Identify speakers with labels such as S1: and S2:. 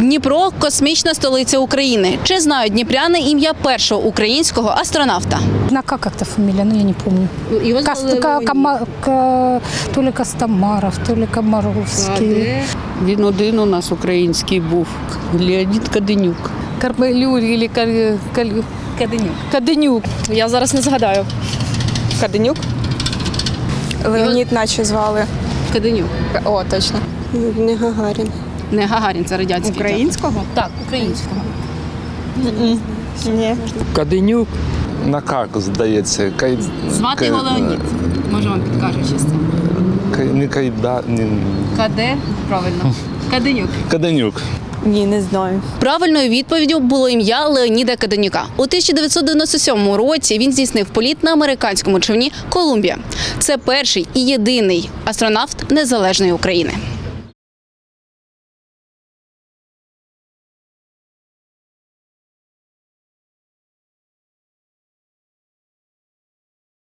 S1: Дніпро – космічна столиця України. Чи знають дніпряни ім'я першого українського астронавта?
S2: На как-то фамилия, но я не помню.
S1: Його звали
S2: То ли Костомаров, то ли Комаровський.
S3: Він один у нас український був. Леонід Каденюк.
S1: Каденюк.
S4: Я зараз не згадаю. Каденюк? Леонід наче звали.
S1: Каденюк.
S4: О, точно.
S5: Не Гагарін.
S1: Не Гагарін, це радянський.
S4: Українського?
S1: Так, українського.
S4: Ні.
S6: Каденюк. На как, здається.
S1: Звати його Леонід. Може, вам підкаже щось.
S6: Не Кайда...
S1: Каде? Правильно. Каденюк.
S6: Каденюк.
S4: Ні, не знаю.
S1: Правильною відповіддю було ім'я Леоніда Каденюка. У 1997 році він здійснив політ на американському човні «Колумбія». Це перший і єдиний астронавт незалежної України.